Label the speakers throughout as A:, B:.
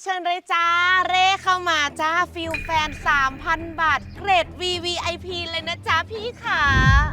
A: เชิญเลยจ้าเร่เข้ามาจ้าฟิลแฟน 3,000 บาทเกรด VVIP เลยนะจ้าพี่ขา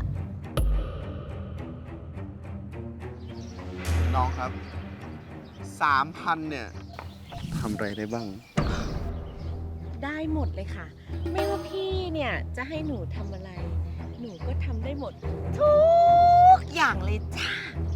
B: น้องครับ 3,000 เนี่ยทำอะไรได้บ้าง
A: ได้หมดเลยค่ะ ไม่ว่าพี่เนี่ยจะให้หนูทำอะไร หนูก็ทำได้หมด ทุกอย่างเลยจ้า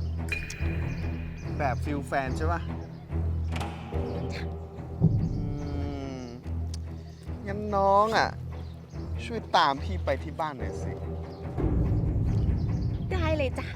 B: แบบฟิลแฟนใช่ปะงั้นน้องอ่ะ ช่วยตามพี่ไปที่บ้านหน่อยสิ
A: ได้เลยจ้ะ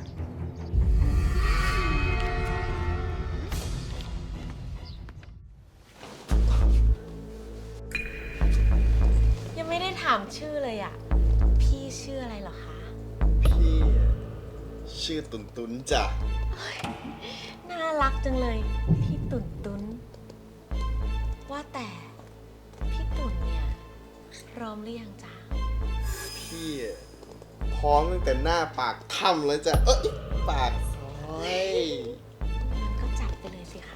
A: ยังไม่ได้ถามชื่อเลยอ่ะ พี่ชื่ออะไรเหรอคะ
B: พี่ชื่อตุนตุนจ้ะ
A: น่ารักจังเลย พี่ตุ่นตุนว่าแต่พี่ตุ่นเนี่ยพร้อมหรือยังจ๊ะ
B: พี่พร้อมตั้งแต่หน้าปากถ้ำแล้วจ้ะ เอ้ยปากซอย
A: งั้นก็จัดไปเลยสิคะ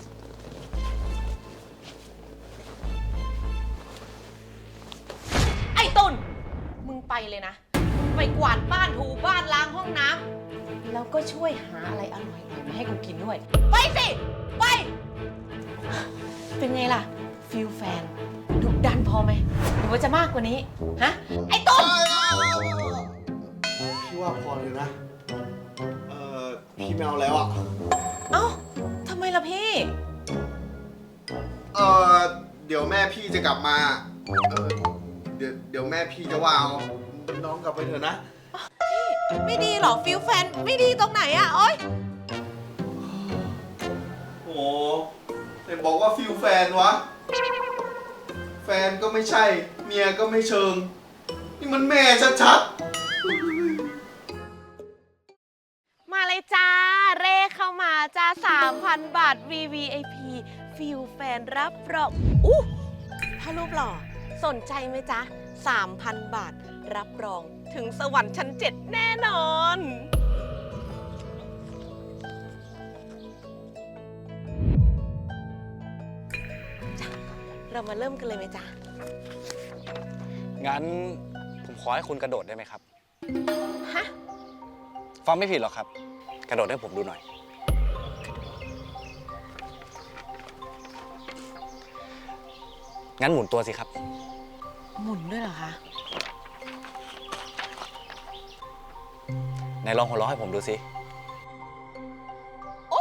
A: ไอ้ตุ่นมึงไปเลยนะ ไปกวาดบ้านถูบ้านล้างห้องน้ำแล้วก็ช่วยหาอะไรอร่อยๆมาให้กูกินด้วย ไปสิ ไป เป็นไงล่ะ ฟิลแฟนดุดันพอไหมหรือว่าจะมากกว่านี้ ฮะ ไอ้ตุ่น
B: พี่ว่าพอเลยนะ พี่ไม่เอาแล้วอ่ะ
A: เอ้าทำไมล่ะพี่
B: เดี๋ยวแม่พี่จะกลับมา เดี๋ยวแม่พี่จะว่าเอาน้องกลับไปเถอะนะ
A: ไม่ดีเหรอฟิลแฟนไม่ดีตรงไหนอะโอ๊ย
B: โอ้แต่บอกว่าฟิลแฟนวะ แฟนก็ไม่ใช่ เมียก็ไม่เชิง นี่มันแม่ชัด
A: มาเลยจ้า เร่เข้ามาจ้า 3,000 บาท VVIP ฟิลแฟนรับรองอู้ถ้ารูปหล่อสนใจไหมจ๊ะ 3,000 บาท รับรองถึงสวรรค์ชั้น 7 แน่นอนจ้ะเรามาเริ่มกันเลยไหมจ๊ะ
C: งั้นผมขอให้คุณกระโดดได้ไหมครับ
A: ฮะ
C: ฟังไม่ผิดหรอกครับ กระโดดให้ผมดูหน่อย งั้นหมุนตัวสิครับ
A: หมุนด้วยเหรอคะ
C: ไหนลองหัวเราะให้ผมดูสิ
A: โอ้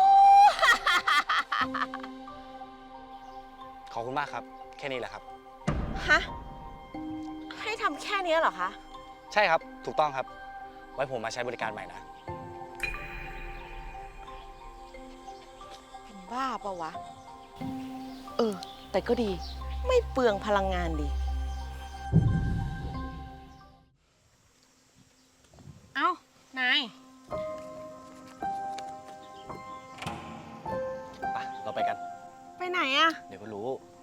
C: ขอบคุณมากครับ แค่นี้แหละครับ
A: ฮะ ให้ทำแค่นี้เหรอคะ
C: ใช่ครับ ถูกต้องครับ ไว้ผมมาใช้บริการใหม่นะ
A: เป็นบ้าปะวะ แต่ก็ดี ไม่เปลืองพลังงานดี เอ้า นาย
C: ไป เราไปกัน
A: ไปไหนอะ
C: เดี๋ยวก็รู้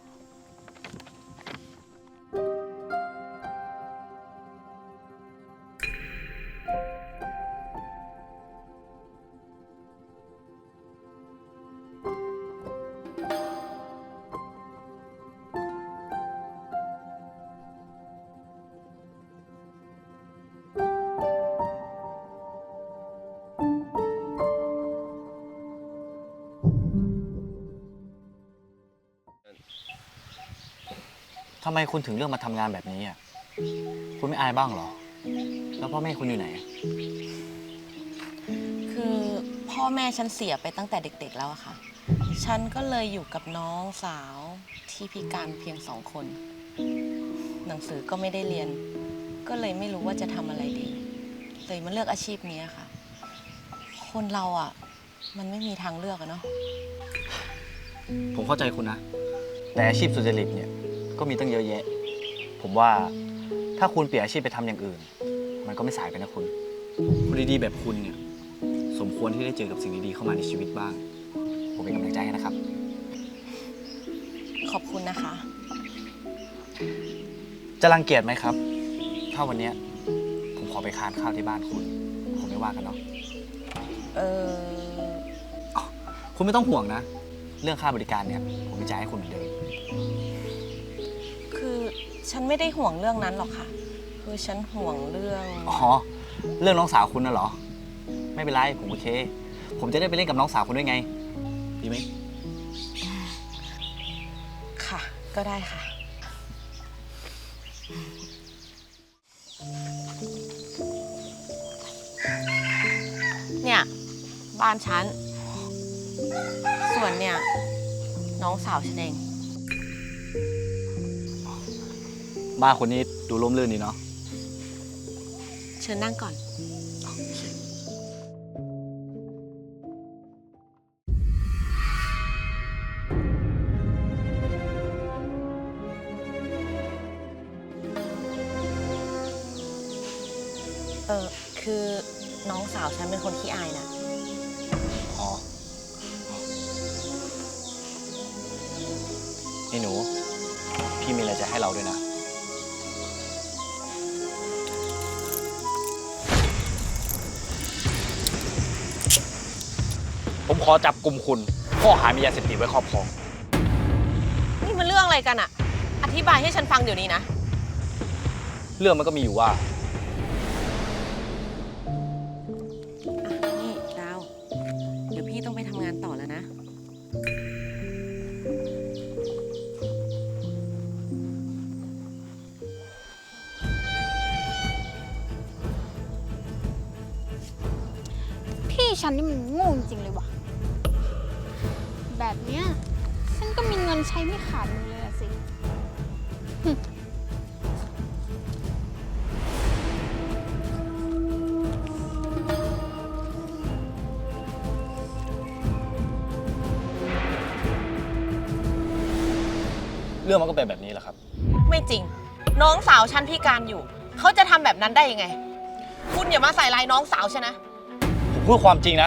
C: ทำไมคุณถึงเลือกมาทำงานแบบนี้อ่ะ คุณไม่อายบ้างเหรอ แล้วพ่อแม่คุณอยู่ไหน
A: คือพ่อแม่ฉันเสียไปตั้งแต่เด็กๆแล้วอะค่ะ ฉันก็เลยอยู่กับน้องสาวที่พิการเพียง2 คน หนังสือก็ไม่ได้เรียน ก็เลยไม่รู้ว่าจะทำอะไรดี เลยมาเลือกอาชีพนี้ค่ะ คนเราอะมันไม่มีทางเลือกอะเนาะ
C: ผมเข้าใจคุณนะ แต่อาชีพสุจริตเนี่ย ก็มีตั้งเยอะแยะ ผมว่าถ้าคุณเปลี่ยนอาชีพไปทำอย่างอื่น มันก็ไม่สายไปนะคุณคนดีๆแบบคุณเนี่ย สมควรที่ได้เจอกับสิ่งดีๆเข้ามาในชีวิตบ้าง ผมเป็นกำลังใจให้นะครับ
A: ขอบคุณนะคะ
C: จะรังเกียจไหมครับ ถ้าวันเนี้ยผมขอไปทานข้าวที่บ้านคุณ ผมไม่ว่ากันเนาะ
A: เออ
C: คุณไม่ต้องห่วงนะเรื่องค่าบริการเนี่ยผมจะจ่ายให้คุณเหมือนเดิม
A: คือฉันไม่ได้ห่วงเรื่องนั้นหรอกค่ะ คือฉันห่วงเรื่อง
C: อ๋อ เรื่องน้องสาวคุณน่ะเหรอ ไม่เป็นไร ผมโอเค ผมจะได้ไปเล่นกับน้องสาวคุณด้วยไง ดีไหม
A: ค่ะ ก็ได้ค่ะ เนี่ย บ้านฉัน ส่วนเนี่ย น้องสาวฉันเอง
C: บ้านคุณนี่ดูร่มรื่นดีเนาะ
A: เชิญนั่งก่อน คือน้องสาวฉันเป็นคนขี้อายนะ
C: อ๋อ นี่หนู พี่มีอะไรจะให้เราด้วยนะ ผมขอจับกลุ่มคุณข้อหามียาเสพติดไว้ครอบครอง
A: นี่มันเรื่องอะไรกันอะอธิบายให้ฉันฟังเดี๋ยวนี้นะ
C: เรื่องมันก็มีอยู่ว่า
A: นี่ดาว เดี๋ยวพี่ต้องไปทำงานต่อแล้วนะ
D: พี่ฉันนี่มันโง่จริงๆเลยว่ะ แบบเนี้ยฉันก็มีเงินใช้ไม่ขาดมือเลยอะสิ
C: เรื่องมันก็เป็นแบบนี้แหละครับ
A: ไม่จริง น้องสาวฉันพิการอยู่ เขาจะทำแบบนั้นได้ยังไง คุณอย่ามาใส่ร้ายน้องสาวฉันนะ
C: ผมพูดความจริงนะ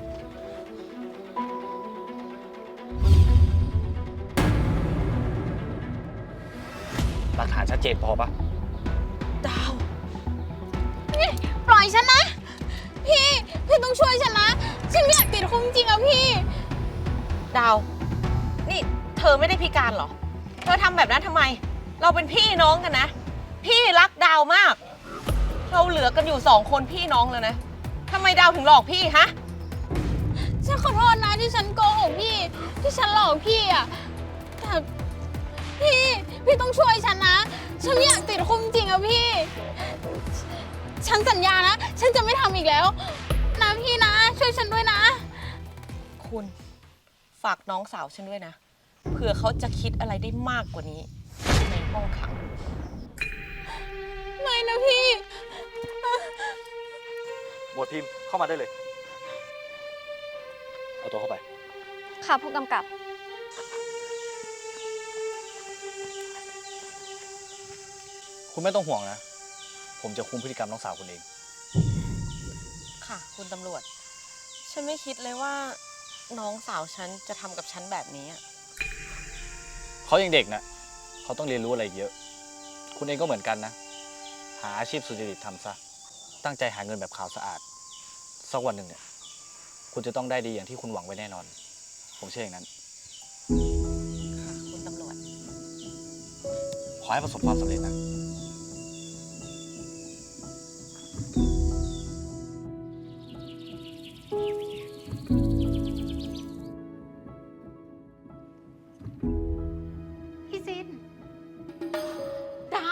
C: หลักฐานชัดเจนพอปะ
A: ดาว
D: ปล่อยฉันนะ พี่ต้องช่วยฉันนะ ฉันไม่อยากติดคุกจริงๆอะพี่
A: ดาว นี่เธอไม่ได้พิการเหรอ เธอทำแบบนั้นทำไม เราเป็นพี่น้องกันนะ พี่รักดาวมาก เราเหลือกันอยู่2 คนพี่น้องแล้วนะทำไมดาวถึงหลอกพี่ฮะ
D: ฉันขอโทษนะที่ฉันโกหกพี่ ที่ฉันหลอกพี่อะแต่พี่ต้องช่วยฉันนะ ฉันไม่อยากติดคุกจริงอะพี่ ฉันสัญญานะ ฉันจะไม่ทำอีกแล้วนะพี่นะ ช่วยฉันด้วยนะ
A: คุณฝากน้องสาวฉันด้วยนะ เผื่อเขาจะคิดอะไรได้มากกว่านี้ในห้องขัง
D: ไม่นะพี่
C: หมวดพิมพ์เข้ามาได้เลย เอาตัวเข้าไป
E: ค่ะผู้กำกับ
C: คุณไม่ต้องห่วงนะ ผมจะคุมพฤติกรรมน้องสาวคุณเอง
A: ค่ะ คุณตำรวจ ฉันไม่คิดเลยว่าน้องสาวฉันจะทำกับฉันแบบนี้อะ
C: เขายังเด็กนะเขาต้องเรียนรู้อะไรเยอะ คุณเองก็เหมือนกันนะ หาอาชีพสุจริตทำซะ ตั้งใจหาเงินแบบขาวสะอาด สักวันหนึ่งเนี่ย คุณจะต้องได้ดีอย่างที่คุณหวังไว้แน่นอน ผมเชื่ออย่างนั้น
A: ค่ะ คุณตำรวจ
C: ขอให้ประสบความสำเร็จนะ
D: พี่ซิน
A: ดาว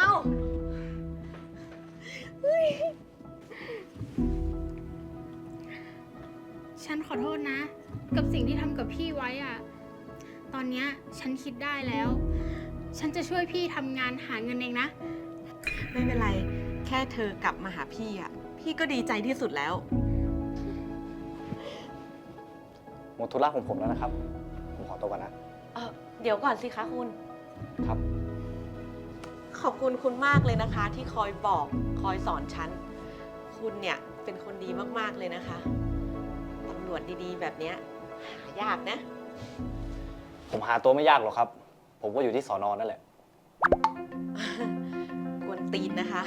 D: ฉันขอโทษนะ กับสิ่งที่ทำกับพี่ไว้อะตอนเนี้ยฉันคิดได้แล้ว ฉันจะช่วยพี่ทำงานหาเงินเองนะ
A: ไม่เป็นไร แค่เธอกลับมาหาพี่อ่ะ พี่ก็ดีใจที่สุดแล้ว
C: หมดธุระของผมแล้วนะครับ ผมขอตัวก่อนนะ
A: เดี๋ยวก่อนสิคะคุณ
C: ครับ
A: ขอบคุณคุณมากเลยนะคะ ที่คอยบอกคอยสอนฉัน คุณเนี่ยเป็นคนดีมากๆเลยนะคะตำรวจดีๆ แบบเนี้ยหายากนะ
C: ผมหาตัวไม่ยากหรอกครับ ผมก็อยู่ที่สอนอนั่นแหละ
A: กวนตีนนะคะ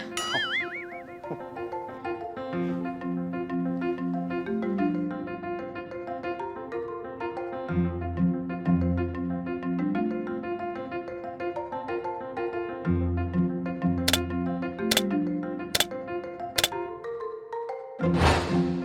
B: เ